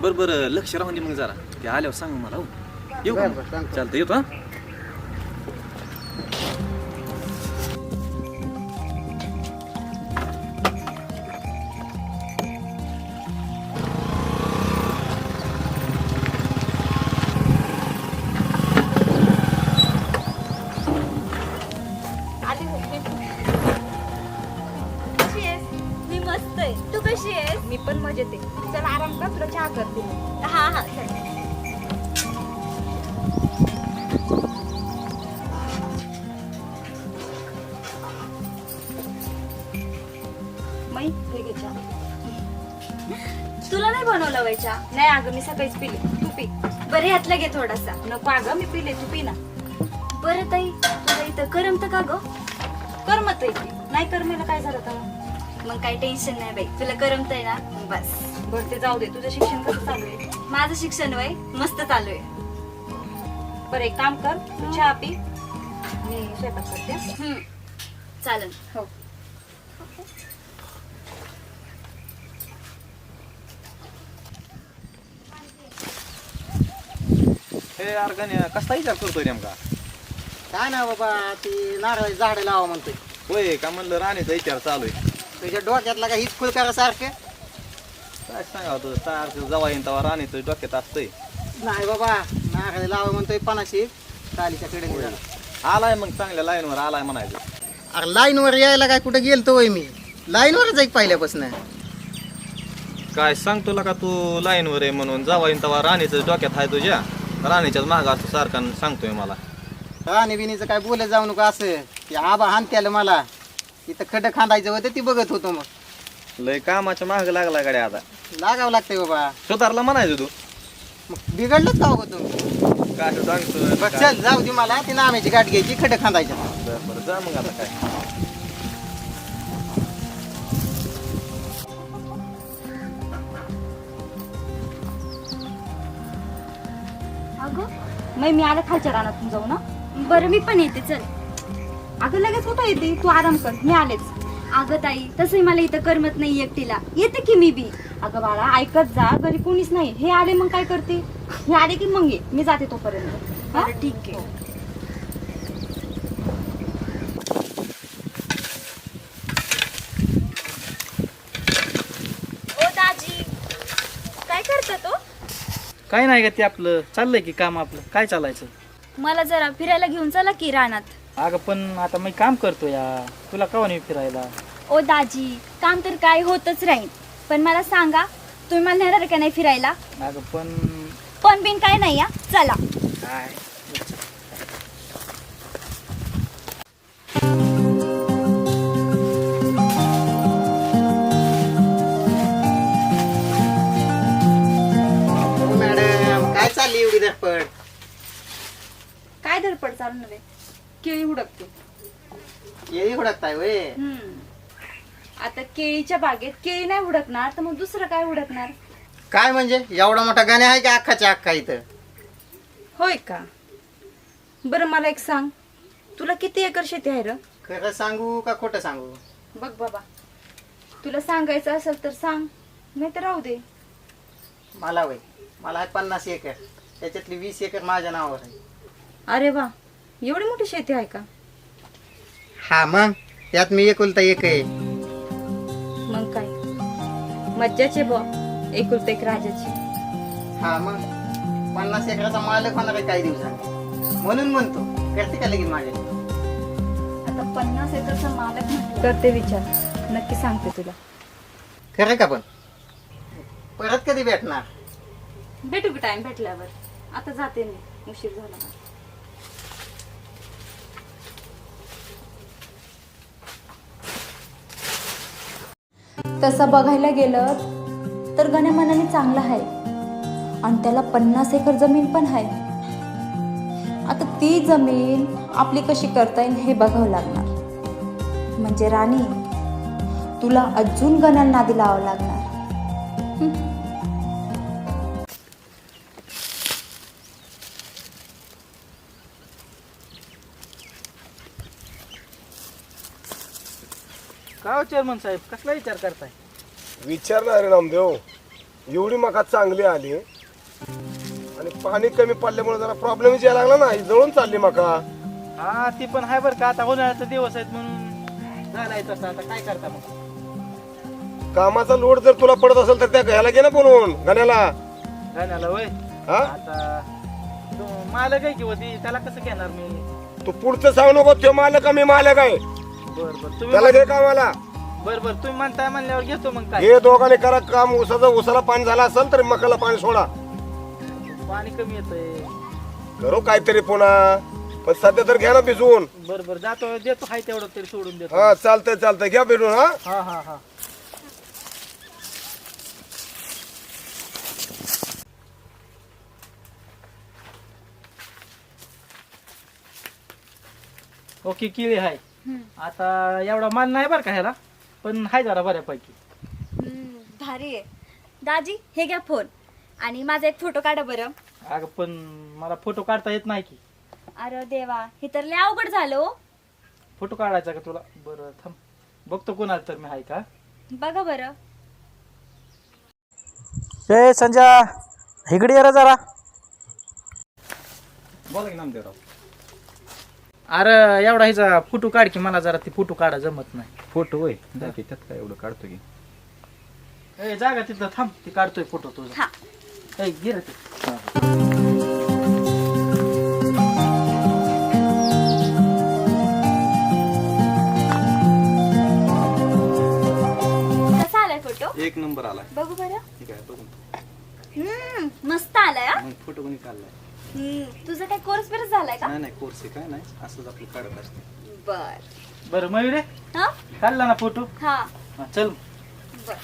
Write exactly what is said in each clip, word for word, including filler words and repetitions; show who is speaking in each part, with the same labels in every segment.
Speaker 1: बरं बरं लक्ष राहून दे मग जरा ते आल्यावर सांग मला हो येऊ का
Speaker 2: बरं,
Speaker 1: मग?
Speaker 2: बरं, सांगतो.
Speaker 1: चालतं येतो हा
Speaker 3: आली होती. कशी आहेस?
Speaker 4: मी मस्त आहे. तू कशी आहेस?
Speaker 3: मी पण मजेत आहे. चल आराम कर, तुला चहा करते मी.
Speaker 4: हा हा चल.
Speaker 3: मै हे घे चहा.
Speaker 4: तुला नाही बनवलं वय चहा?
Speaker 3: नाही अगं, मी सकाळीच पिले. तू पी.
Speaker 4: बरं ह्यातला घे थोडासा.
Speaker 3: नको अगं, मी पिले, तू पी ना.
Speaker 4: बरं ताई तुला इथं करमतं का ग?
Speaker 3: करमत आहे. नाही करमेला काय झालं तर
Speaker 4: मग काही टेन्शन नाही बाई, तुला करमतंय ना बस.
Speaker 3: बरं ते जाऊ दे. तुझं शिक्षण कसं चालू आहे?
Speaker 4: माझं शिक्षण वय मस्त चालू आहे.
Speaker 3: बरं एक काम कर, तू चहा पी, मी स्वयंपाक करते.
Speaker 4: हम्म चालेल.
Speaker 3: हो.
Speaker 1: हे यार गण्या कसला विचार करतोय नेमका
Speaker 2: काय ना बाबा ती नारळाची झाडं लावा म्हणतोय.
Speaker 1: होय का म्हणलं राणीचा विचार चालू आहे
Speaker 2: तुझ्या डोक्यातला का हीच सारखं
Speaker 1: काय सांगावं तुझं सारखं जवा येईन तेव्हा राणीचं डोक्यात असतंय
Speaker 2: नाही बाबा, नारळ लावा म्हणतोय पणाशी चालीच्या कडे.
Speaker 1: आलाय मग चांगल्या लाईनवर आलाय म्हणायचं
Speaker 2: अरे लाईनवर यायला काय कुठं गेलतो वय मी, लाईनवरच एक पहिल्यापासून.
Speaker 1: काय सांग तुला का तू लाईनवर आहे म्हणून जावा येईन तेव्हा राणीचं डोक्यात आहे तुझ्या राणीच्याच मागं असं सारखं सांगतोय मला
Speaker 2: राणी बिनीचं काय बोलत जाऊ नका असं, की आबा हानत्याला मला इथं खड्डं खांदायचं होतं ती बघत होतो. मग
Speaker 1: लय कामाच्या माग लागला गाड्या आता
Speaker 2: लागावं लागतंय बाबा.
Speaker 1: सुधारला म्हणायचं तू
Speaker 2: मग बिघडलंच का हो तुम्ही?
Speaker 1: काय असं सांगतोय
Speaker 2: बघ चल जाऊ दे, मला ती नाम्याची गाठ घ्यायची, खड्डं खांदायचं.
Speaker 1: बरं बरं जा मग आता काय
Speaker 3: अगं मै मी आले खालच्या रानातून जाऊ ना.
Speaker 4: बरं मी पण येते चल.
Speaker 3: अगं लगेच कुठं येते, तू आराम कर, मी आलेच.
Speaker 4: अगं ताई तसंही मला इथं करमत नाही एकटीला, येते की मी बी.
Speaker 3: अगं बाळा ऐकत जा, घरी कोणीच नाही. हे आले मग काय करते, हे आले की मग ये, मी जाते तोपर्यंत. हा?
Speaker 4: बरं ठीक आहे. ओ दाजी काय करता तो?
Speaker 5: काय नाही का ते आपलं चाललंय की काम आपलं काय चालायचं.
Speaker 4: मला जरा फिरायला घेऊन चला की रानात.
Speaker 5: अगं पण आता मी काम करतो या, तुला कवा नाही फिरायला.
Speaker 4: ओ दाजी काम तर काय होतच राहील, पण मला सांगा तुम्ही मला नेणार का नाही फिरायला?
Speaker 5: अगं पण
Speaker 4: पण बिन काय नाही या, चला.
Speaker 5: काय
Speaker 2: मॅडम काय चालली एवढी धडपड?
Speaker 3: काय धडपड चालू नव्हे, केळी हुडकते.
Speaker 2: येई हुडकताय वय?
Speaker 3: हम्म. आता केळीच्या बागेत केळी नाही हुडकणार तर मग दुसरं काय हुडकणार?
Speaker 2: काय म्हणजे एवढा मोठा गाणे आहे का अख्खाच्या अख्खा इथं?
Speaker 3: होय का? बरं मला एक सांग, तुला किती एकर शेती आहे र?
Speaker 2: खरं सांगू का खोटं सांगू?
Speaker 3: बघ बाबा, तुला सांगायचं असेल तर सांग, नाही तर राहू दे.
Speaker 2: मला वय मला आहे पन्नास एकर, त्याच्यातली वीस एकर माझ्या नावावर आहे.
Speaker 3: अरे वा, एवढी मोठी शेती आहे का?
Speaker 2: हा मग त्यात मी एकुलता एक आहे.
Speaker 3: मग काय मज्जाचे बॉ, एकुलता एक राजाची.
Speaker 2: हा मग पन्नास एकराचा मालक होणार आहे काही दिवसांनी, म्हणून म्हणतो करते का लगेच माझ्या.
Speaker 3: आता पन्नास एकरचा मालक म्हटलं करते विचार, नक्की सांगते तुला.
Speaker 2: खरं का? पण परत कधी भेटणार?
Speaker 3: भेटू की टाइम भेटल्यावर. आता जाते मी, उशीर झाला मला.
Speaker 6: तसं बघायला गेलं तर गण्या मनाने चांगला आहे आणि त्याला पन्नास एकर जमीन पण आहे. आता ती जमीन आपली कशी करता येईल हे बघावं लागणार. म्हणजे राणी तुला अजून गण्याला नादी लावावं लागणार.
Speaker 5: का चेअरमन साहेब कसला विचार करताय?
Speaker 7: विचारणार रे नामदेव, एवढी मका चांगली आली आणि पाणी कमी पडल्यामुळे जरा प्रॉब्लेमच यायला लागला ना, ही जळून चालली मका.
Speaker 5: हा ती पण आहे बरं का, आता उन्हाळ्याचा दिवस आहेत म्हणून झालाय तसं. आता काय करता मग?
Speaker 7: कामाचा लोड जर तुला पडत असेल तर त्या घ्यायला घे ना बोलवून गाण्याला.
Speaker 5: गाण्याला वय
Speaker 7: हा
Speaker 5: आता तो मालक आहे किंवा ती, त्याला कसं घेणार मी?
Speaker 7: तू पुढचं सांगू नको, तो मालक आहे, मी मालक आहे,
Speaker 5: बर बर तुम्ही
Speaker 7: त्याला घे कामाला.
Speaker 5: बर बर तुम्ही म्हणताय म्हणल्यावर घेतो मग. काय
Speaker 7: हे दोघांनी करा काम. उसाचं उसाला पाणी झालं असेल तर मकाला पाणी सोडा.
Speaker 5: पाणी कमी येतंय.
Speaker 7: करू काहीतरी पुन्हा, पण सध्या तर घ्या ना भिजवून.
Speaker 5: बर बर जातो, देतो हाय तेवढं तरी सोडून देतो.
Speaker 7: हा चालतंय चालतंय, घ्या भिजून. हा
Speaker 5: हा हा हा ओके किळी हाय. आता एवढा माल नाही बरं का ह्याला, पण हाय जरा बऱ्यापैकी.
Speaker 4: हम्म, भारी आहे. दाजी हे घ्या फोन आणि माझा एक फोटो काढा बरं.
Speaker 5: अगं पण मला फोटो काढता येत नाही की.
Speaker 4: अरे देवा, हे तर लय अवघड झालं हो.
Speaker 5: फोटो काढायचा का तुला? बरं थांब बघतो कोणाला तर मी हाय का.
Speaker 4: बघा बरं.
Speaker 5: ए संजा इकडे ये रे जरा.
Speaker 1: बोला की नामदेवराव.
Speaker 5: अरे एवढा ह्याचा फोटो काढ की, मला जरा ती फोटो काढा जमत नाही.
Speaker 1: फोटो होय की त्यात काय एवढं काढतो की.
Speaker 5: ए जागा तिथं थांब, ती काढतोय फोटो तुझा.
Speaker 4: हा.
Speaker 5: ए गिर ते.
Speaker 4: कसा आलाय फोटो?
Speaker 1: एक नंबर आलाय.
Speaker 4: बघू बरं.
Speaker 1: ठीक आहे बघून.
Speaker 4: हम्म, मस्त आलाय हा.
Speaker 1: मग फोटो कोणी काढलाय?
Speaker 4: हम्म, तुझा काय कोर्स बिर्स झालाय का?
Speaker 1: नाही नाही कोर्स आहे काय नाही, असंच आपलं काढत असते.
Speaker 4: बर.
Speaker 5: बरं मयुरे
Speaker 4: हा
Speaker 5: काढला ना फोटो?
Speaker 4: हा
Speaker 5: हा, चल.
Speaker 4: बर.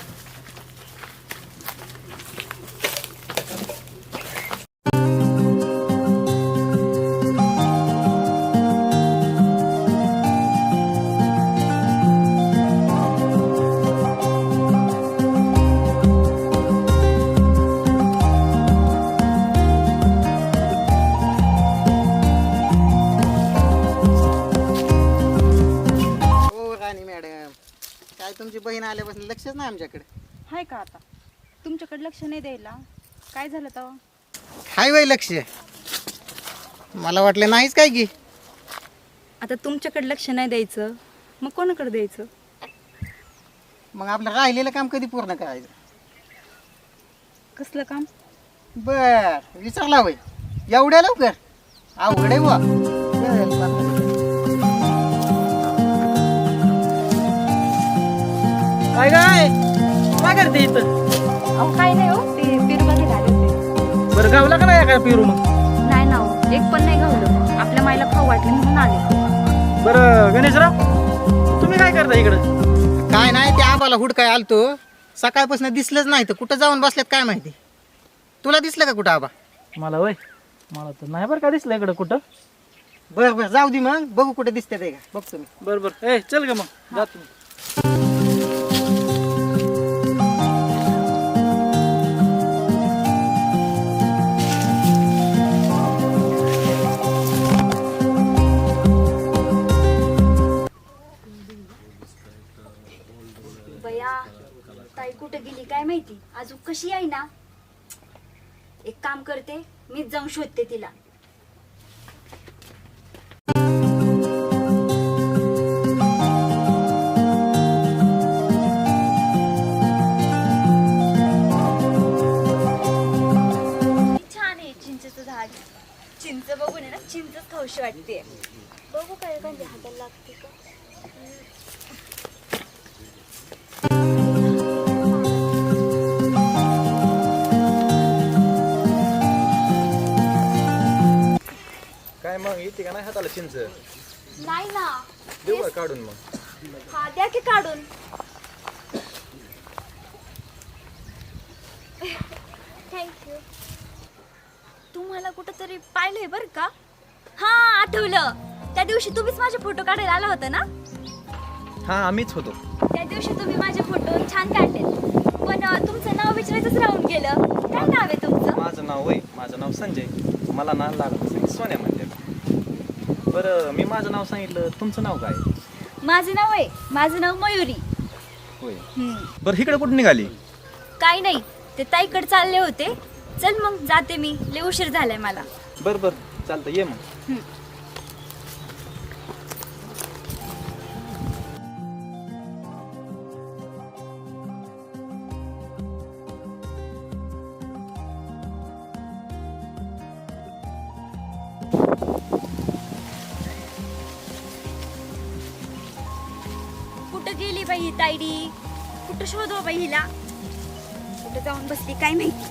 Speaker 2: हो राणी मॅडम, काय तुमची बहीण आल्यापासून लक्षच नाही आमच्याकडे.
Speaker 3: हाय का आता तुमच्याकडे लक्ष नाही द्यायला? काय झालं तेव्हा?
Speaker 2: हाय वय लक्ष, मला वाटलं नाहीच काय की.
Speaker 3: आता तुमच्याकडे लक्ष नाही द्यायचं मग कोणाकडे द्यायचं?
Speaker 2: मग आपलं राहिलेलं काम कधी पूर्ण करायचं?
Speaker 3: कसलं काम?
Speaker 2: बर विचारला वय एवढ्या लवकर? अवघड आहे बुवा. चल, बापरे.
Speaker 5: काय काय काय करते इथं?
Speaker 3: अहो काय नाही हो, ते पेरूमध्ये आले होते.
Speaker 5: बरं गावला का नाही काय पिरू मग?
Speaker 3: नाही ना हो, एक पण नाही गावलं. आपल्या माईला खाऊ वाटले म्हणून आले.
Speaker 5: बरं गणेशराव तुम्ही काय करता इकडं?
Speaker 2: काय नाही, ते आबाला हुडकाय आलतो, सकाळपासून दिसलंच नाही तर कुठं जाऊन बसल्यात काय माहिती. तुला दिसलं का कुठं आबा?
Speaker 5: मला वय मला तर नाही बरं का दिसलं इकडं कुठं.
Speaker 2: बर बर जाऊ दे, मग बघू कुठे दिसते ते का बघतो मी.
Speaker 5: बरं बरं ए चल ग मग जातो.
Speaker 4: बया ताई कुठे गेली काय माहिती, अजून कशी आहे ना. एक काम करते, मीच जाऊन शोधते तिला. छान आहे चिंचेचं झाड. चिंच बघून आहे ना चिंचच खाऊशी वाटते. बघू काय म्हणजे हाताला लागते का.
Speaker 1: काय मग येते का नाही हाताला चिंच?
Speaker 4: नाही ना.
Speaker 1: देऊ का काढून मग?
Speaker 4: हा द्या की काढून. थँक्यू. तुम्हाला कुठंतरी पाहिलंय बरं का. हा आठवलं, त्या दिवशी तुम्हीच माझे फोटो काढायला आला होता ना.
Speaker 1: हा आम्हीच होतो.
Speaker 4: त्या दिवशी तुम्ही माझे फोटो छान काढले, पण अं, तुमचं नाव विचारायचंच राहून गेलं. काय नाव आहे तुमचं?
Speaker 1: माझं नाव वय माझं नाव संजय. मला नाव लागत असेल सोन्या म्हणजे. बरं मी माझं नाव सांगितलं, तुमचं नाव काय?
Speaker 4: माझं नाव आहे माझं नाव मयुरी.
Speaker 1: होय.
Speaker 4: हम्म.
Speaker 1: बरं इकडे कुठं निघाली?
Speaker 4: काही नाही, ते ताईकडे चालले होते. चल मग जाते मी, लय उशीर झालाय मला.
Speaker 1: बरं बरं चालतं ये मग.
Speaker 4: कुठं गेली बाई ही तायडी? कुठं शोधव बाई हिला? कुठं जाऊन बसली काय माहिती.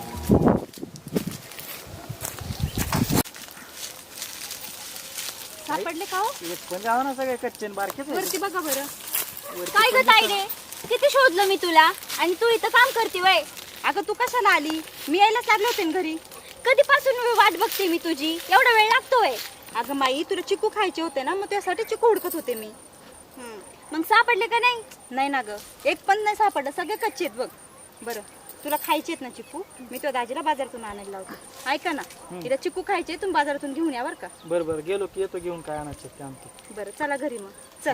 Speaker 4: सापडले का हो?
Speaker 5: एक पण जाऊ ना सगळे कच्चे न बारकेच आहेत.
Speaker 3: वरती बघा बरं.
Speaker 4: काय ग तायडे, किती शोधलं मी तुला आणि तू इथं काम करते वय.
Speaker 3: अगं तू कशाला आली? मी यायलाच लागले होते ना घरी.
Speaker 4: कधीपासून वाट बघते मी तुझी, एवढा वेळ लागतोय.
Speaker 3: अगं माई तुला चिकू खायचे होते ना, मग त्यासाठी चिकू हुडकत होते मी.
Speaker 4: मग सापडले का नाही?
Speaker 3: नाही ना ग, एक पण नाही सापडलं, सगळे कच्चे आहेत बघ. बरं तुला खायचे आहेत ना चिकू? मी तो दाजीला बाजारातून आणायला लावते. ऐका ना, तिला चिकू खायचे तुम्ही बाजारातून घेऊन या बरं का.
Speaker 5: बरं बरं गेलो की येतो घेऊन काय आणायचे ते आणतो.
Speaker 3: बरं चला घरी मग. चल.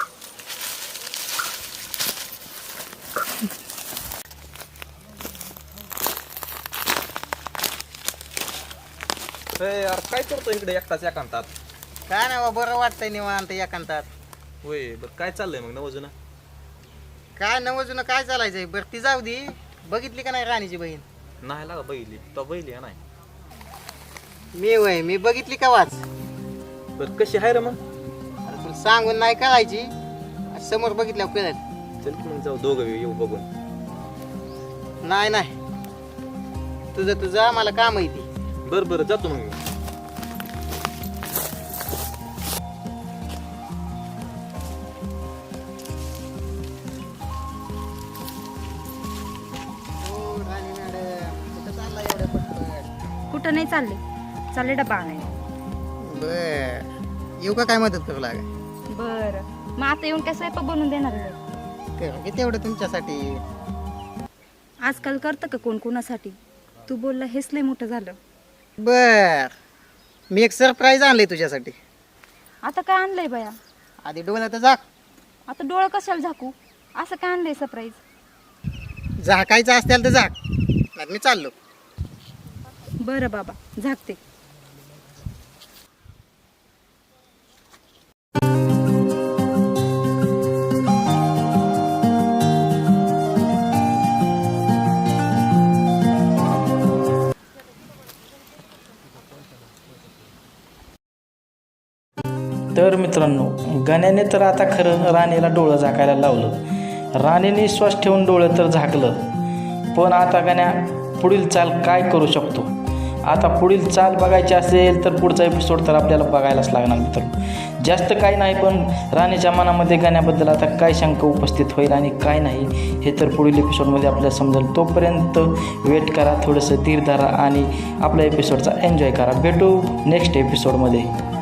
Speaker 1: ए, यार काय करतो इकडे एकटाच एकांतात?
Speaker 2: काय नाही बा, बरं वाटतंय निवांत एकांतात.
Speaker 1: होय बरं काय चाललंय मग नवजुना?
Speaker 2: काय नवजून काय चालायचंय? बरं ती जाऊ दे. बघितली का नाही राणीची बहीण?
Speaker 1: नाही लागा बैली तो बैली आहे नाही.
Speaker 2: मी वय मी बघितली का वाच?
Speaker 1: बरं कशी आहे रे मग?
Speaker 2: अरे तुला सांगून नाही करायची, समोर बघितल्यावर कळेल.
Speaker 1: चल की मग जाऊ दोघं येऊ बघून.
Speaker 2: नाही नाही, तुझं तुझं मला काम आहे ती.
Speaker 1: बरं बरं जातो मग मी.
Speaker 2: हो राणी मॅडम, कुठं चालला एवढ्या पटपट?
Speaker 3: कुठं नाही चालले, चालले डबा आणायला.
Speaker 2: बर येऊ का काय मदत करू लागा?
Speaker 3: बरं मग आता येऊन काय स्वयंपाक बनवून देणार आहे?
Speaker 2: करू की तेवढं तुमच्यासाठी.
Speaker 3: आजकाल करतं का कोण कोणासाठी? तू बोलला हेच लय मोठं झालं.
Speaker 2: बर मी एक सरप्राईज आणलंय तुझ्यासाठी.
Speaker 3: आता काय आणलंय बाया?
Speaker 2: आधी डोळ्यात तर झाक.
Speaker 3: आता डोळं कशाला झाकू? असं काय आणलंय सरप्राईज?
Speaker 2: झाकायचं असतील तर झाक, नाही मी चाललो.
Speaker 3: बरं बाबा झाकते.
Speaker 5: तर मित्रांनो, गण्याने तर आता खरं राणीला डोळं झाकायला लावलं. राणीने श्वास ठेवून डोळं तर झाकलं, पण आता गण्या पुढील चाल काय करू शकतो? आता पुढील चाल बघायची असेल तर पुढचा एपिसोड तर आपल्याला बघायलाच लागणार मित्रांनो. जास्त काही नाही, पण राणीच्या मनामध्ये गण्याबद्दल आता काय शंका उपस्थित होईल आणि काय नाही हे तर पुढील एपिसोडमध्ये आपल्याला समजेल. तोपर्यंत वेट करा, थोडंसं धीर धरा आणि आपल्या एपिसोडचा एन्जॉय करा. भेटू नेक्स्ट एपिसोडमध्ये.